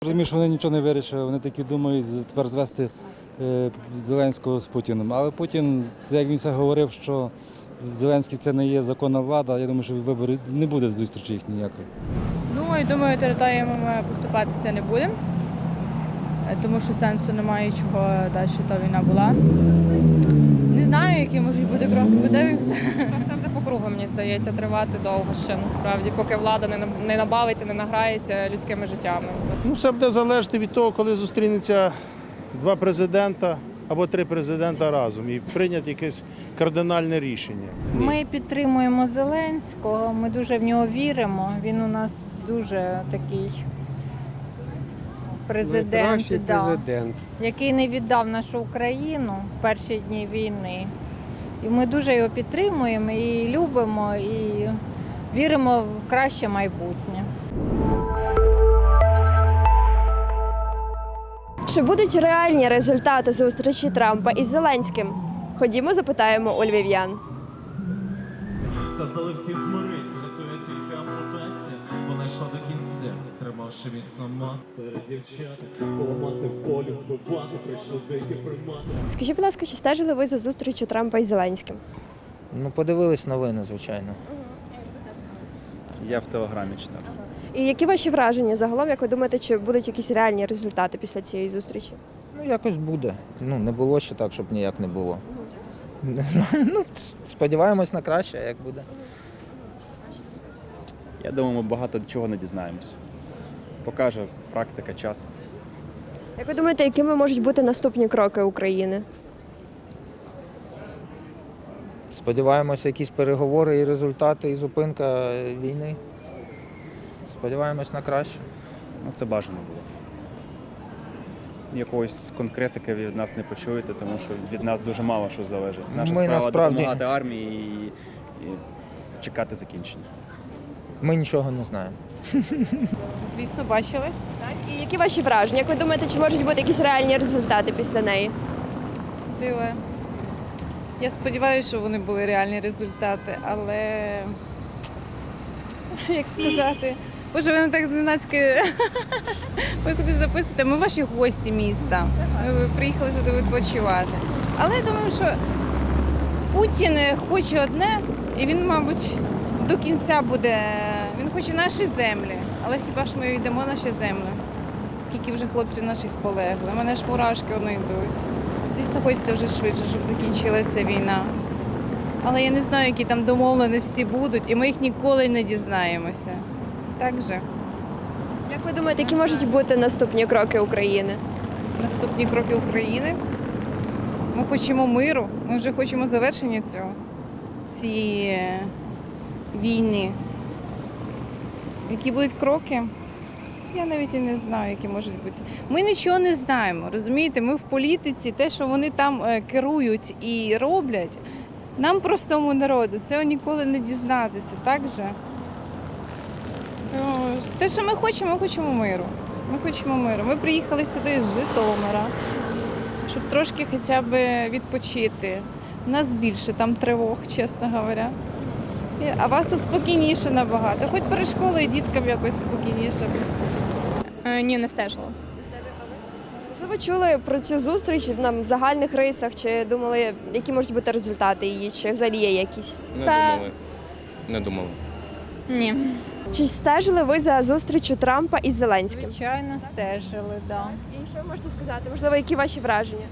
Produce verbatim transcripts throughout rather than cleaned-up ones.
Розумію, що вони нічого не вирішили, вони такі думають тепер звести е, Зеленського з Путіним. Але Путін, як він все говорив, що Зеленський це не є законна влада, я думаю, що вибори не буде зустрічі їх ніякої. Ну і думаю, територіями ми поступатися не будемо, тому що сенсу немає, чого далі та війна була. Не знаю, які можуть бути кроки, подивимося. Ну, все буде по кругу, мені здається, тривати довго ще, насправді, поки влада не, не набавиться, не награється людськими життями. Ну, все буде залежати від того, коли зустрінуться два президента або три президента разом і прийнять якесь кардинальне рішення. Ми підтримуємо Зеленського, ми дуже в нього віримо. Він у нас дуже такий президент, Найкращий да, президент. який не віддав нашу Україну в перші дні війни. І ми дуже його підтримуємо і любимо, і віримо в краще майбутнє. Чи будуть реальні результати зустрічі Трампа із Зеленським? Ходімо, запитаємо у львів'ян. Сказали всі змирись, рятує тільки ампутація. Вона йшла до кінця, тримавши міцно мат. Серед дівчат, поламати волю, вбивати, прийшли деякі примати. Скажіть, будь ласка, чи стежили ви за зустрічю Трампа із Зеленським? Ну, подивились новини, звичайно. Я в Телеграмі читав. І які ваші враження загалом, як ви думаєте, чи будуть якісь реальні результати після цієї зустрічі? Ну, якось буде. Ну, не було ще так, щоб ніяк не було. Не знаю, ну, сподіваємось на краще, а як буде. Я думаю, ми багато чого не дізнаємось. Покаже практика, час. Як ви думаєте, якими можуть бути наступні кроки України? Сподіваємося, якісь переговори і результати, і зупинка війни. Сподіваємось на краще. Ну, це бажано було. Якогось конкретики від нас не почуєте, тому що від нас дуже мало що залежить. Наша Ми справа насправді- допомагати армії і, і чекати закінчення. Ми нічого не знаємо. Звісно, бачили. Так. І які ваші враження? Як ви думаєте, чи можуть бути якісь реальні результати після неї? Диво. Я сподіваюся, що вони були реальні результати, але як сказати, боже, ви не так зненацька ви кудись записуєте. Ми ваші гості міста. Ми приїхали сюди відпочивати. Але я думаю, що Путін хоче одне, і він, мабуть, до кінця буде. Він хоче наші землі, але хіба ж ми йдемо наші землі? Скільки вже хлопців наших полегли. У мене ж мурашки одно йдуть. Звісно, хочеться вже швидше, щоб закінчилася війна. Але я не знаю, які там домовленості будуть, і ми їх ніколи не дізнаємося. Так же? Як ви думаєте, які можуть бути наступні кроки України? Наступні кроки України. Ми хочемо миру, ми вже хочемо завершення цього, цієї війни. Які будуть кроки? Я навіть і не знаю, які можуть бути. Ми нічого не знаємо, розумієте? Ми в політиці, те, що вони там керують і роблять, нам, простому народу, цього ніколи не дізнатися, так же? Те, що ми хочемо, ми хочемо миру. Ми хочемо миру. Ми приїхали сюди з Житомира, щоб трошки хоча б відпочити. У нас більше там тривог, чесно говоря. А вас тут спокійніше набагато. Хоч перед школою діткам якось спокійніше. Е, ні, не стежила. Можливо, чули про цю зустріч нам в загальних рисах, чи думали, які можуть бути результати її, чи взагалі є якісь? Не Та- думали. Не думали. Ні. Чи стежили ви за зустрічю Трампа із Зеленським? Звичайно, стежили, так. Да. І що ви можете сказати? Можливо, які ваші враження?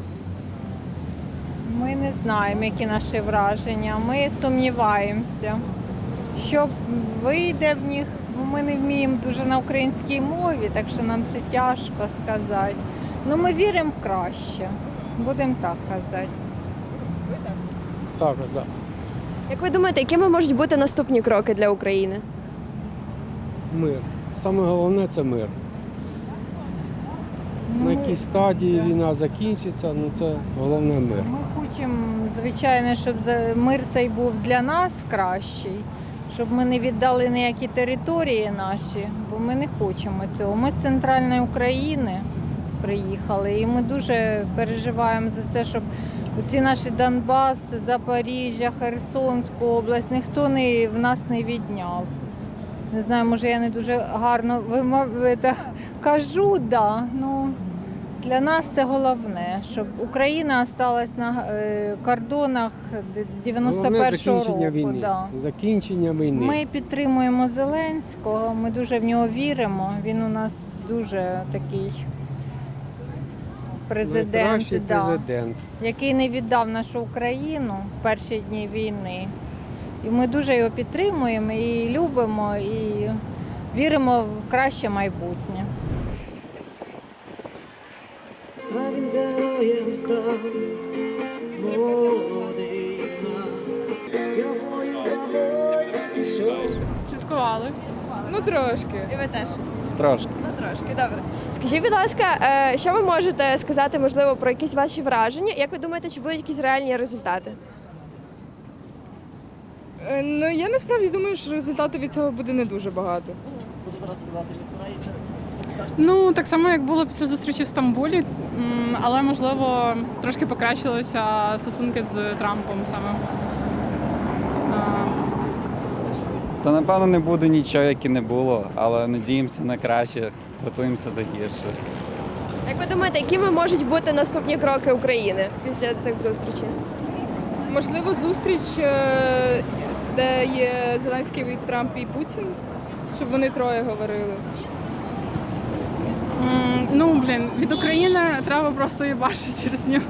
Ми не знаємо, які наші враження. Ми сумніваємося, що вийде в них. Ну, ми не вміємо дуже на українській мові, так що нам це тяжко сказати. Ну, ми віримо в краще, будемо так казати. Так, так. Як ви думаєте, якими можуть бути наступні кроки для України? Мир. Саме головне це мир. На якій стадії війна закінчиться, ну це головне мир. Ми хочемо, звичайно, щоб за- мир цей був для нас кращий, щоб ми не віддали ніякі території наші, бо ми не хочемо цього. Ми з центральної України приїхали, і ми дуже переживаємо за це, щоб оці наші Донбас, Запоріжжя, Херсонську область ніхто не, в нас не відняв. Не знаю, може я не дуже гарно вимов... Кажу, да. Ну, для нас це головне, щоб Україна залишилась на е, кордонах дев'яносто Головне першого закінчення року. війни. Да. Закінчення війни. Ми підтримуємо Зеленського, ми дуже в нього віримо. Він у нас дуже такий президент, Найкращий да, президент. який не віддав нашу Україну в перші дні війни. І ми дуже його підтримуємо і любимо, і віримо в краще майбутнє. А він героєм став, молодий юнак. Я бою за бою пішов. Слідкували. Ну трошки. І ви теж? Трошки. Ну трошки, добре. Скажіть, будь ласка, е, що ви можете сказати, можливо, про якісь ваші враження? Як ви думаєте, чи будуть якісь реальні результати? Ну я насправді думаю, що результату від цього буде не дуже багато. Ну, так само, як було після зустрічі в Стамбулі, м, але, можливо, трошки покращилися стосунки з Трампом саме. А, Та напевно не буде нічого, як і не було, але надіємося на краще, готуємося до гірших. Як ви думаєте, якими можуть бути наступні кроки України після цих зустрічей? Можливо, зустріч, е, де є Зеленський, Трамп і Путін, щоб вони троє говорили. М, Ну, блін, від України треба просто їбашити через нього.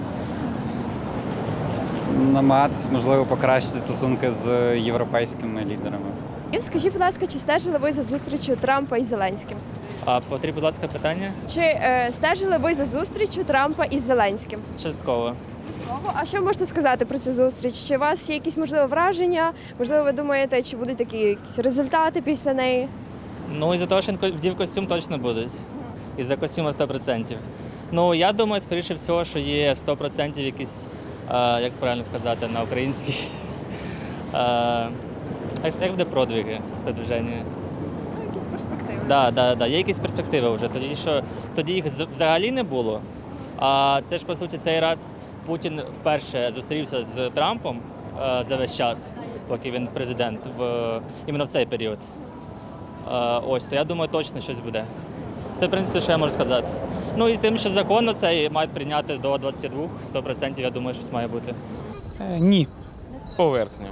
Намагатись, можливо, покращити стосунки з європейськими лідерами. І скажіть, будь ласка, чи стежили ви за зустрічю Трампа і Зеленським? А повторіть, будь ласка, питання? Чи е, стежили ви за зустрічю Трампа із Зеленським? Частково. А що ви можете сказати про цю зустріч? Чи у вас є якісь, можливо, враження? Можливо, ви думаєте, чи будуть такі якісь результати після неї? Ну, із-за того, що він вдів костюм, точно будуть. Із-за костюма сто відсотків. Ну, я думаю, скоріше всього, що є сто відсотків якісь, е, як правильно сказати, на українській. Е, як, як буде продвиги, продвиження? Ну, якісь перспективи. Да, да, да. Є якісь перспективи вже. Тоді, що, тоді їх з- взагалі не було. А це ж, по суті, цей раз Путін вперше зустрівся з Трампом е, за весь час, поки він президент, в, іменно в цей період. Е, ось, то я думаю, точно щось буде. Це, в принципі, що я можу сказати. Ну і з тим, що законно це мають прийняти до двадцяти двох, сто відсотків, я думаю, щось має бути. Ні. Поверхня.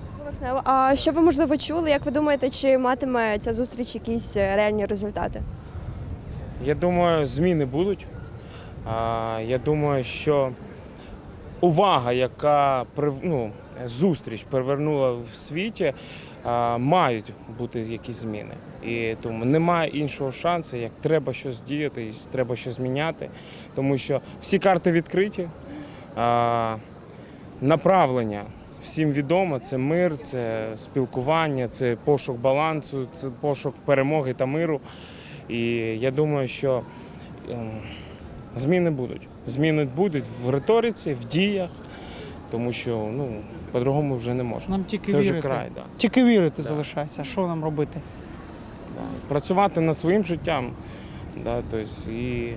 А що ви, можливо, чули? Як ви думаєте, чи матиме ця зустріч якісь е, реальні результати? Я думаю, зміни будуть. А, Я думаю, що увага, яка прив- ну, зустріч привернула в світі, а, мають бути якісь зміни. І тому немає іншого шансу, як треба щось діяти, і треба щось зміняти, тому що всі карти відкриті, а, направлення всім відомо, це мир, це спілкування, це пошук балансу, це пошук перемоги та миру. І я думаю, що ем, зміни будуть. Зміни будуть в риториці, в діях, тому що ну, по-другому вже не можна. Нам тільки Це вже вірити. край. Да. Тільки вірити Да. залишається. Що нам робити? Да. Працювати над своїм життям. Да, тобто, і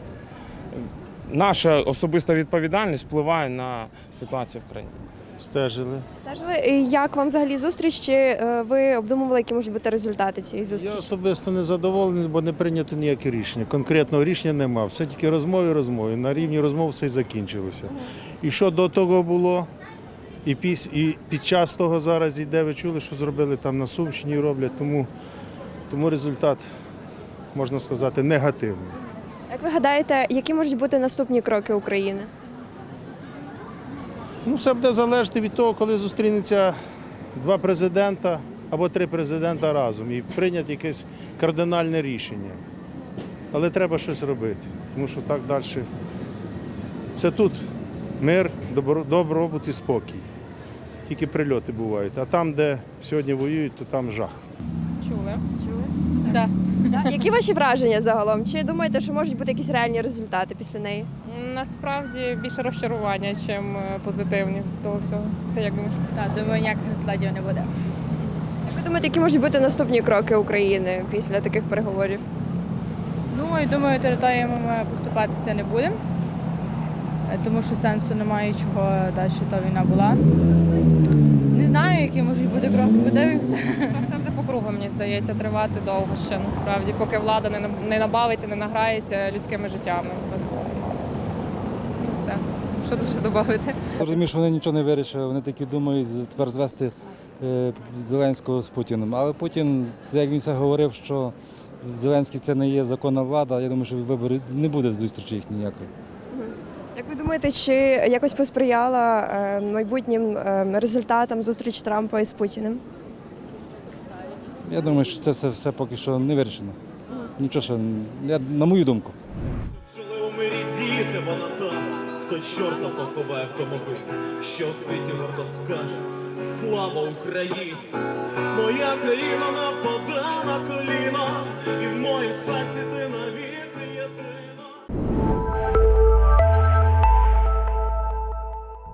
наша особиста відповідальність впливає на ситуацію в країні. Стежили. Стежили, І як вам взагалі зустріч? Чи е, ви обдумували, які можуть бути результати цієї Я зустрічі? особисто не задоволений, бо не прийнято ніяке рішення. Конкретного рішення нема. Все тільки розмови, розмови. На рівні розмов все й закінчилося. І що до того було, і, піс, і під час того зараз йде, ви чули, що зробили там на Сумщині і роблять, тому, тому результат, можна сказати, негативний. Як ви гадаєте, які можуть бути наступні кроки України? Ну, все буде залежати від того, коли зустрінеться два президента або три президента разом і прийняти якесь кардинальне рішення. Але треба щось робити, тому що так далі. Це тут мир, добро- добробут і спокій. Тільки прильоти бувають. А там, де сьогодні воюють, то там жах. Чули? Чули? Да. Які ваші враження загалом? Чи думаєте, що можуть бути якісь реальні результати після неї? Насправді більше розчарування, ніж позитивні в того всього. Ти як думаєш? Так, думаю, ніяких результатів не буде. Як ви думаєте, які можуть бути наступні кроки України після таких переговорів? Ну, і думаю, територіями ми поступатися не будемо, е, тому що сенсу немає, чого далі та війна була. Не знаю, які можуть бути кроки, подивимося. Все буде по кругу, мені здається, тривати довго ще насправді, поки влада не, на- не набавиться, не награється людськими життями. Просто ну, все. Що тут ще додати? Я розумію, що вони нічого не вирішили, вони такі думають з- тепер звести е, Зеленського з Путіним. Але Путін, як він це говорив, що Зеленський це не є законна влада, я думаю, що вибори не буде зустрічі їх ніякої. Як ви думаєте, чи якось посприяла е, майбутнім е, результатам зустріч Трампа із Путіним? Я думаю, що це все, все поки що не вирішено. Нічого ще, я, на мою думку. Жили у мирі діти, вона там, хто чорта поховає в тому вид, що в світі гордо скаже слава Україні! Моя країна нападе на коліна, і в моїм серці ти не